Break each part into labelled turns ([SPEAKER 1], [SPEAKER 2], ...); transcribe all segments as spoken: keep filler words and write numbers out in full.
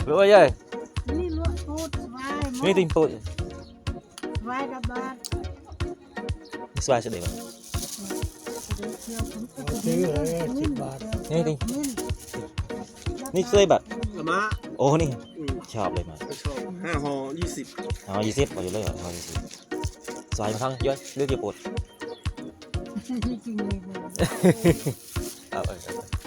[SPEAKER 1] lúa ơi
[SPEAKER 2] นี่ลวกพูดไว้หมด
[SPEAKER 1] นี่ติงปุย
[SPEAKER 2] ไว้กับบาท
[SPEAKER 1] สวายจะเด็ก
[SPEAKER 2] เดี๋ยวเที่ยวผมจะ
[SPEAKER 3] ซื้อเลยสิบบาท
[SPEAKER 1] นี่ติง
[SPEAKER 2] มิน
[SPEAKER 1] นี่เคยบัตร
[SPEAKER 4] ละมะ
[SPEAKER 1] โอ้นี่
[SPEAKER 4] อืม
[SPEAKER 1] ชอบเลยมา
[SPEAKER 4] ก็ชอบห้าห่อยี่สิบ
[SPEAKER 1] อ๋อยี่สิบเอาอยู่เลยเหรอเอายี่สิบสวายมาทั้งเยอะเลือกกี่ปวด
[SPEAKER 2] จริงเลย
[SPEAKER 1] เอาเอา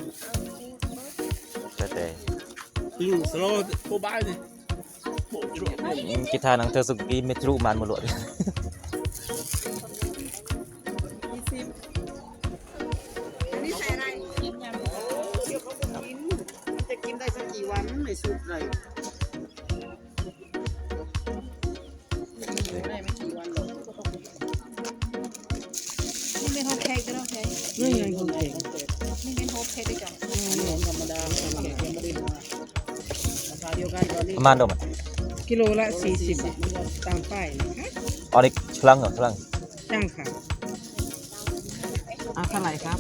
[SPEAKER 1] แต่แต่
[SPEAKER 4] อืมสโลว์โคบายดิโบจุ๊บ
[SPEAKER 1] กีตาร์นังเธอสุกี้เมทรูมันมาหลวด
[SPEAKER 4] ยี่สิบอันนี้ใส่อะไรกินยำเดี๋ยวเขาจะกินมันจะกินได้สักกี่วันในสูตรเลยได้ไม่กี่วันหรอก
[SPEAKER 5] นี่เป็นโฮมเค้กด้วยโอเค
[SPEAKER 4] นี่ไงคนเก่ง
[SPEAKER 5] นี่เป็นโฮมเค้กด้วยกัน
[SPEAKER 4] นี่ของธรรมดาทำแขกยังไม่ได้มาราคาเดียวกันตอนนี้
[SPEAKER 1] ประมาณเท่าไหร่
[SPEAKER 6] กิโลละสี่สิบบาทตามป้ายนะคะ
[SPEAKER 1] อ๋อนี่พลังเหรอพลัง
[SPEAKER 6] จ้างค่ะอ่ะเท่าไหร่ครับ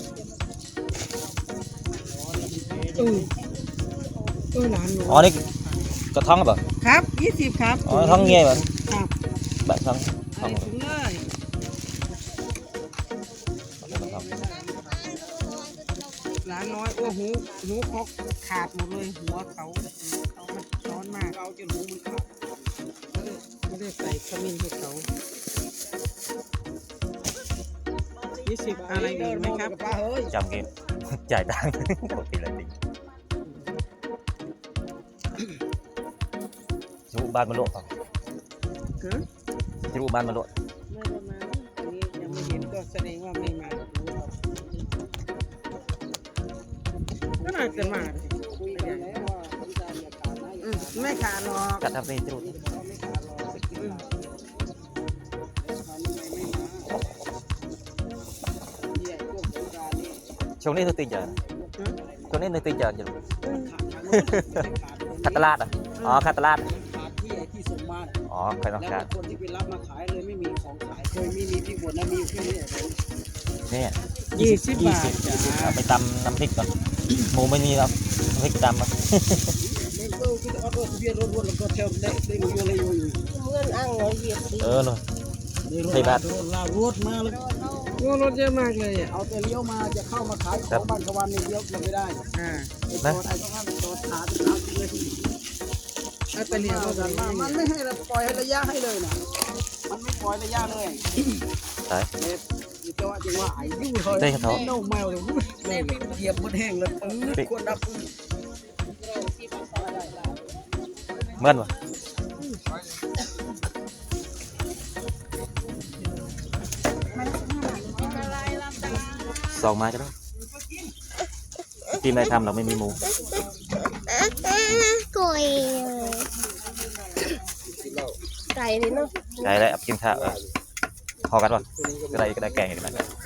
[SPEAKER 6] เออเออหลานหนู
[SPEAKER 1] อ๋อนี่กระท้องเหรอ
[SPEAKER 6] ครับยี่สิบครับ
[SPEAKER 1] อ๋อท้องเงี้ยเหมือน
[SPEAKER 6] ครับ
[SPEAKER 1] แบบท้องท้อง
[SPEAKER 6] ใส่ถุงเลย หลานน้อยโอ้หูหูเขาขาดหมดเลยหัวเขาเขามันร้อนมาก
[SPEAKER 4] เราจะรู้มันขาด
[SPEAKER 6] ไม่ได้ใส่ขมิ้นให้เขายี่สิบอะไรอีกไหมครับ
[SPEAKER 4] ป้าเฮ้ย
[SPEAKER 1] จำเกม จ่ายตังค์ปกติเลยติจูบ้านมาโลด
[SPEAKER 6] ฮะ
[SPEAKER 1] จูบ้านมาโลด
[SPEAKER 6] ไม่ได้มาอันนี้ยังไม่เห็นก็แสดงว่าไม่มาก็น่าจะมาสิ
[SPEAKER 4] คุยกันแล้วว่าพี่ชายอย่าขาดนะอย่า
[SPEAKER 6] อืมไม่ขาดหรอก
[SPEAKER 1] กัดทำเป็นจู
[SPEAKER 4] ไม่ขาดหรอกอืมขาดยังไงไม่มาเนี่ยพวกสงกรานต์นี่
[SPEAKER 1] ช่วงนี้เธอตีจานช่วงนี้เธอตีจานอยู่
[SPEAKER 4] ขาดขาดไม่ขาด
[SPEAKER 1] คัตตลาดอ่ะอ๋อคัตตลาด
[SPEAKER 4] ขาดที่ไอ้ที่ส่งมา
[SPEAKER 1] อ๋อใครต้อง
[SPEAKER 4] แล้ว
[SPEAKER 1] การ
[SPEAKER 4] คนที่ไปรับมาขายเลยไม่มีของขายเคยมีมีที่บนนะมีอยู่แค่นี้
[SPEAKER 1] นี่
[SPEAKER 6] ยี่สิบบาท
[SPEAKER 1] ยี่สิบเอาไปตำน้ำพริกก่อนหมูไม่มีแล้วน้ำพริกตำอ่ะ
[SPEAKER 4] มันก็คือเอารถทะเบียนรถรถแล้วก็เทมได้ได้อยู่เลยอยู่อยู่
[SPEAKER 2] เงื่อนอ่างเราเหยียบดิ
[SPEAKER 1] เออเนาะ
[SPEAKER 4] ในรถ
[SPEAKER 1] ใช่บาท
[SPEAKER 4] รถลารถมาแล้ว
[SPEAKER 6] โอ้รถเยอะมากเลยอ่ะ
[SPEAKER 4] เอาแต่เลี้ยวมาจะเข้ามาขายของบ้านกวันนี่เลี้ยวยังไม่ได้
[SPEAKER 6] อ่า
[SPEAKER 4] ไอ้ตัวไอ้ต้องห้ามตัวขาดขาดเลย
[SPEAKER 6] ถ้าเป็นเรียนรถ
[SPEAKER 4] กันมามันไม่ให้เราปล่อยให้ระยะให้เลยนะมันไม่ปล่อยระยะเลย
[SPEAKER 1] ตาย
[SPEAKER 4] เด็ดจังหวะจังหวะไอ้ยุ่งเลย
[SPEAKER 1] เต้กระท้อ
[SPEAKER 4] เน่าเมาเลยเหยียบมันแห้งเลยควรดับ
[SPEAKER 1] เมื่อนวะสองไม้ก็ได้ทีมไหนทำเราไม่มีหมู
[SPEAKER 2] ก่อยไก่เลยเนาะ
[SPEAKER 1] ได้ได้เอาไปกินข้าวเออพอกันวะก็ได้ก็ได้แกงอีกนะ